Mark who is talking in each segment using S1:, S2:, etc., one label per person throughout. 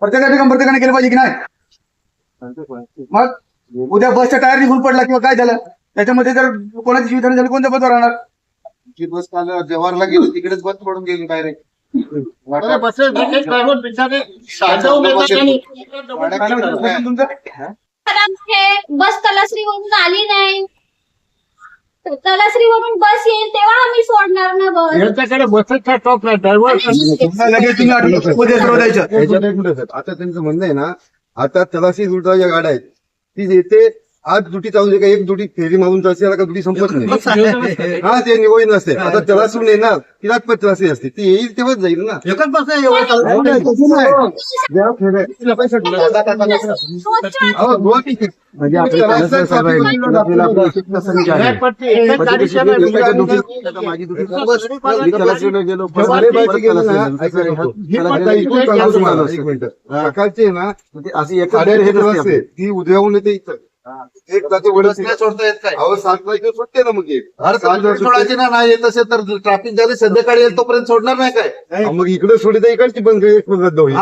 S1: प्रत्येकाने केलं पाहिजे की नाही? मग उद्या बसच्या टायर निघून पडला किंवा काय झालं त्याच्यामध्ये जर कोणाची जीवितहानी झाली कोणत्या पदावर राहणार?
S2: जी बस काल जवाहरला गेली तिकडेच बंद पडून गेली डायरेक्ट.
S1: तुमचं
S3: बस तलासरीवरून आली नाही, तलासरीवरून बस येईल तेव्हा आम्ही सोडणार ना बस.
S4: यांच्याकडे बसचा स्टॉप नाही, ड्रायव्हर
S1: लगेच तुम्ही आठवड्यात सर्व द्यायचं.
S2: आता त्यांचं म्हणणं आहे ना, आता तलाशी रुटच्या ज्या गाड्या आहेत ती येते आज दुटी चालू दे का एक दुटी फेरी मारून जायची का दुटी संपत नाही. हा ते निवडून नसते. आता तलासून येणार तिलाच पण तलासी असते ती येईल तेव्हाच जाईल ना.
S4: एकच बस आहे
S2: म्हणजे सकाळचे ना अशी एखाद्या ती उद्याहून येते इथं एक जाते
S4: सोडता येत काय?
S2: अहो 7 वाजता सुटते ना मग
S4: सोडायची ना नाही येत असेल तर ट्रॅफिक झाले संध्याकाळी येईल तोपर्यंत सोडणार नाही काय?
S2: मग इकडे सोडित इकडची बंद रद्द होईल.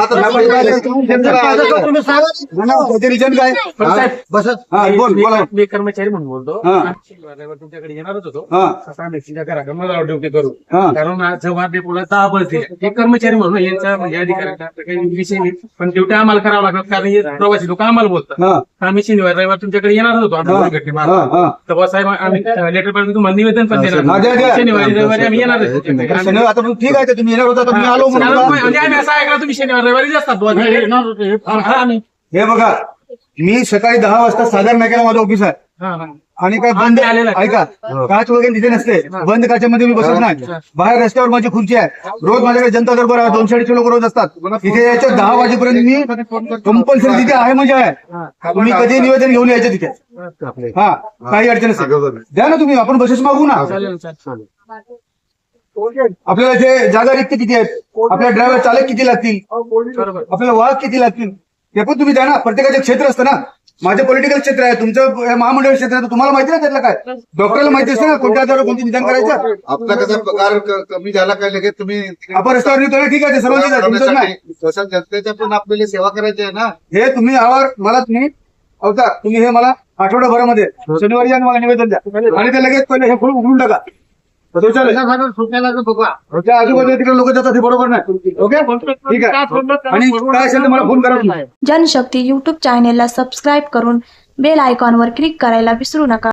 S5: मी कर्मचारी म्हणून बोलतो. तुमच्याकडे येणारच होतो. घराकडे ड्युटी करू कारण जेव्हा डेपोला 10 बस दिल्या हे कर्मचारी म्हणून यांचा म्हणजे अधिकाऱ्यांचा काही विषय नाही पण ड्युटी आम्हाला करावं लागतात कारण हे प्रवासी लोक आम्हाला बोलतात. आम्ही शनिवार रविवार तुमच्याकडे येणारच होतो तेव्हा साहेब आम्ही लेटर पाठवून तुम्हाला निवेदन पण देणार. शनिवारी रविवारी आम्ही येणार
S1: ठीक आहे तुम्ही येणार होता तुम्ही आलो
S5: म्हणजे आम्ही असं ऐकलं तुम्ही शनिवार रविवारी असतात.
S1: हे बघा मी सकाळी 10 वाजता साधारण नाक्याला माझं ऑफिस आहे आणि काय बंद ऐका काच वगैरे तिथे नसते. बंद काचेमध्ये मी बसत नाही. बाहेर रस्त्यावर माझी खुर्ची आहे. रोज माझ्याकडे जनता दरबार आहे. 200-250 लोक रोज असतात. तिथे यायच्या 10 वाजेपर्यंत मी कंपल्सरी तिथे आहे म्हणजे आहे. तुम्ही कधी निवेदन घेऊन यायचं तिथे. हा काही अडचण असेल द्या ना तुम्ही आपण बसेस मागू ना. आपल्याला जे जागा रिक्त किती आहेत आपल्या ड्रायव्हर चालक किती लागतील आपल्याला वाहक किती लागतील ते पण तुम्ही द्या ना. प्रत्येकाचे क्षेत्र असतं ना. माझं पॉलिटिकल क्षेत्र आहे तुमचं महामंडळ क्षेत्र आहे तुम्हाला माहिती ना त्यातलं काय डॉक्टरला माहिती असते ना कोणत्या आजारावर कोणती निदान करायचं.
S2: आपला कसा पगार कमी झाला काय लगेच तुम्ही
S1: आपण रस्त्यावर निघतो ठीक आहे सर्वांची तुमचं नाही.
S2: तसं जनतेच्या पण आपल्याला सेवा करायची आहे ना.
S1: हे तुम्ही यावर मला तुम्ही अवतार तुम्ही हे मला आठवड्याभरामध्ये शनिवारी या मला निवेदन द्या आणि ते लगेच पहिले हे फुल उघडून टाका. आजूबाजूला तिकडे लोक जातात हे बरोबर नाही. ओके ठीक आहे आणि काय असेल तर मला फोन करा.
S6: जनशक्ती YouTube चॅनेलला सबस्क्राईब करून बेल आयकॉनवर क्लिक करायला विसरू नका.